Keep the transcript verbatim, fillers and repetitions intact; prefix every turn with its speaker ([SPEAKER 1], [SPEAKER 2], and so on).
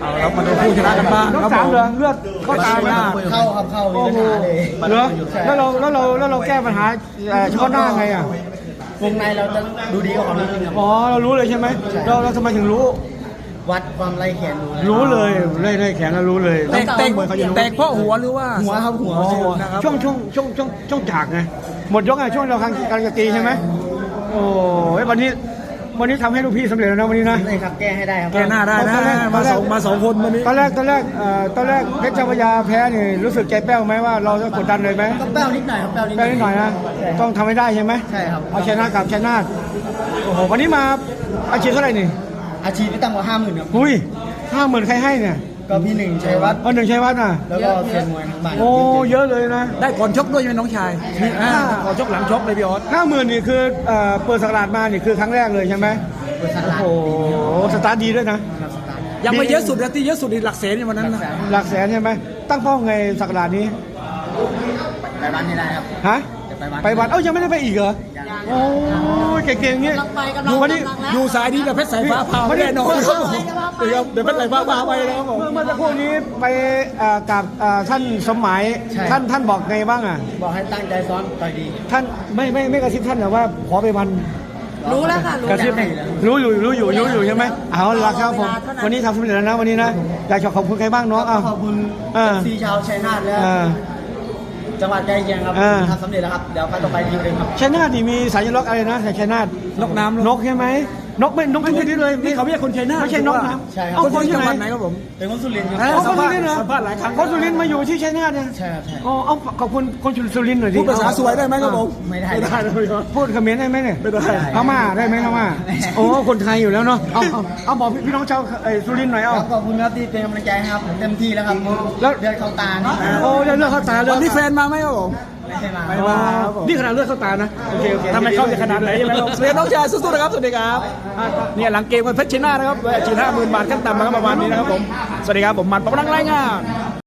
[SPEAKER 1] เอาเรามาดูผู้ชนะกันบ้าง
[SPEAKER 2] น้อง
[SPEAKER 1] ครับ
[SPEAKER 2] สาม
[SPEAKER 1] ผม
[SPEAKER 2] เหรอเลือดเข้าตาไหม
[SPEAKER 3] เข้าครับเข้ามี
[SPEAKER 2] โอ้
[SPEAKER 3] ปัญ
[SPEAKER 2] โห
[SPEAKER 3] หาเลย
[SPEAKER 2] เหรอแล้วเราแล้วเราแล้วเราแก้ปัญหาเอ่อเฉพาะหน้าไงอ่ะ
[SPEAKER 3] วงในเราจะดูดีกว่าเขานิดนึงครับ
[SPEAKER 2] อ๋อเรารู้เลยใช่ไหมเราเราทำไมถึงรู้
[SPEAKER 3] วัดความไรแขนดูนะ
[SPEAKER 2] รู้เลยเล่นแขนเรารู้เลย
[SPEAKER 1] แตกแตก
[SPEAKER 2] เหมือนเขาจะรู้
[SPEAKER 1] แตกเพราะหัวหรือว่า
[SPEAKER 3] หัวครับหัว
[SPEAKER 2] อ๋อ
[SPEAKER 1] นะครับ
[SPEAKER 2] ช่วงช่วงช่วงช่วงช่วงจากไงหมดยกไงช่วงเรากำลังกำลังจะตีใช่ไหมโอ้ยวันนี้วันนี้ทำให้ลูกพี่สำเร็จแล้วนะวันนี้นะ
[SPEAKER 3] เลยครับแก้ให้ได้ครับ
[SPEAKER 1] แกหน้าได้นะมาสองมาสองคนวันนี้
[SPEAKER 2] ตอนแรกตอนแรกเอ่อตอนแรกเพชรเจ้าพระยาแพ้นี่รู้สึกใจแป้วไหมว่าเราจะกดดันเลยไหม
[SPEAKER 3] ก็แป้วนิดหน่อยครับแป้วนิดห
[SPEAKER 2] แป้
[SPEAKER 3] น่
[SPEAKER 2] ว
[SPEAKER 3] อย
[SPEAKER 2] นิดหน่อยนะต้องทำให้ได้ใช่ไหม
[SPEAKER 3] ใช่ครับ
[SPEAKER 2] เอาชนะกับชนะโอ้โหวันนี้มาอาชีพเท่าไหร่นี่
[SPEAKER 3] อาชีพไม่ต่ำกว่าห้าหมื่นครับ
[SPEAKER 2] อุ้ยห้าหมื่นใครให้เนี่ย
[SPEAKER 3] ก็พี่หนึ่งชัยวัฒน์
[SPEAKER 2] เอาหนึ่งชัยวัฒน์น่ะ
[SPEAKER 3] แล้วก็เซียนมวยทั้งบ้าน
[SPEAKER 2] โอ้เยอะเลยนะ
[SPEAKER 1] ได้ก่อนชกด้วยใช่ไหมน้องชายอ่าก่อนชกหลังชกเลยพี่ออส
[SPEAKER 2] ห้าหมื่นนี่คือเอ่อเปิดสักราชมานี่คือครั้งแรกเลยใช่ไหม
[SPEAKER 3] เปิดสตาร์ท
[SPEAKER 2] โอ้โหสตาร์ทดีด้วยนะ
[SPEAKER 3] ครับสตาร์ท
[SPEAKER 1] ยังไม่เยอะสุดนะที่เยอะสุดในหลักแสนในวันนั้นนะ
[SPEAKER 2] หลักแสนใช่ไหมตั้งเป้าไงสักราชนี้
[SPEAKER 3] ไปบ้านไม่ได้ครับ
[SPEAKER 2] ฮะ
[SPEAKER 3] จะไปวัด
[SPEAKER 2] ไปวัดเอ้ายังไม่ได้ไปอีกเหรอโอ้ยเก่งๆอย่างเงี้ยดูวันนี้
[SPEAKER 1] อยู่สายนี้แต่เพชรสายฟ้าพาไม่แน่นอนครับผมเดี๋ยวเดี๋ยวเพชรสายฟ้าพาไปนะครับผม
[SPEAKER 2] เมื่อเมื่อสักครู่นี้ไปเอ่อกับเอ่อท่านสมหมายท่านท่านบอกไงบ้างอ่ะ
[SPEAKER 3] บอกให้ตั้งใจซ้อมต่อยดี
[SPEAKER 2] ท่านไม่ไม่ไม่กระซิบท่านแต่ว่าขอไปวัน
[SPEAKER 4] รู้แล้วค่ะ รู้
[SPEAKER 2] กระซิบ
[SPEAKER 4] แล้ว
[SPEAKER 2] รู้อยู่รู้อยู่รู้อยู่ใช่ไหมเอาละครับผมวันนี้ทำสำเร็จแล้วนะวันนี้นะอยากจะขอบคุณใครบ้างน้องเอา
[SPEAKER 3] ขอบคุณ
[SPEAKER 2] อ่า
[SPEAKER 3] ซีชาวชัยนาทและ
[SPEAKER 2] อ่า
[SPEAKER 3] จังหวัดใกล้เคียงครับ
[SPEAKER 2] อ่า
[SPEAKER 3] ทำสำเร็จแล้วครับเดี๋ยวไปต่อไปทีมเองครับ
[SPEAKER 2] ชัยนาทนี่มีสายลักอะไรนะชัยนาท
[SPEAKER 1] นกน้ำ
[SPEAKER 2] นกใช่ไหมนกไม่นกไม่ใช่นี่เลย
[SPEAKER 1] นี่เขาไม่ใช่คนชัยนาท
[SPEAKER 2] ไม่ใช่นกนะ
[SPEAKER 3] ใช่ครับ
[SPEAKER 2] เอา
[SPEAKER 1] คน
[SPEAKER 2] คน
[SPEAKER 1] ที่
[SPEAKER 2] ที่
[SPEAKER 1] จังห
[SPEAKER 2] ไหน
[SPEAKER 1] วัดไหนครับผม
[SPEAKER 3] เป็นคนสุรินทร์ค
[SPEAKER 1] เอ้
[SPEAKER 3] รับ
[SPEAKER 1] ย
[SPEAKER 2] เอาคนสุรินทร์เหรอ
[SPEAKER 1] สัมภาษณ์หลายครั้ง
[SPEAKER 2] คนสุรินทร์มาอยู่ที่ชัยนาทเนี่ย
[SPEAKER 3] ใช่ครับใช่
[SPEAKER 2] อ๋อเอาขอบคุณคนสุรินทร์หน่อยดิ
[SPEAKER 1] พูดภาษาสวยได้ไหมครับผม
[SPEAKER 3] ไม่ได้
[SPEAKER 1] ไม่ได้เลยพี่ออส
[SPEAKER 2] พูดเขมรได้ไหมเนี่ย
[SPEAKER 1] ไม่ได้
[SPEAKER 2] พม่าได้ไหมพม่าโอ้คนไทยอยู่แล้วเนาะเอาเอาเอาบอกพี่น้องชาวเอ่อสุรินทร์หน่อยเอา
[SPEAKER 3] ครับขอบคุณครับที่เป็นกำลังใจให้ครับผมเต็มที่แล้วครับ
[SPEAKER 2] แล้ว
[SPEAKER 3] เลือดเข้าตานี่
[SPEAKER 2] โอ้เลือดเข้าตาเลย
[SPEAKER 1] วันนี้แฟนมาไหมครับผม
[SPEAKER 3] ไม่ใช่มา
[SPEAKER 1] ไม่มาครับผม
[SPEAKER 2] นี่ขนาดเลือดเข้าตานะโอเคโอเค
[SPEAKER 1] ทำไมเข้าจะขนาดไหนใช่ไหมครับเรียนน้องชายสู้ๆนะครับ สวัสดีครับเนี่ยหลังเกมกันเพชรชิน่านะครับฉีดห้าหมื่นบาทขั้นต่ำนะครับประมาณนี้นะครับผม สวัสดีครับผมมันประดังรายงาน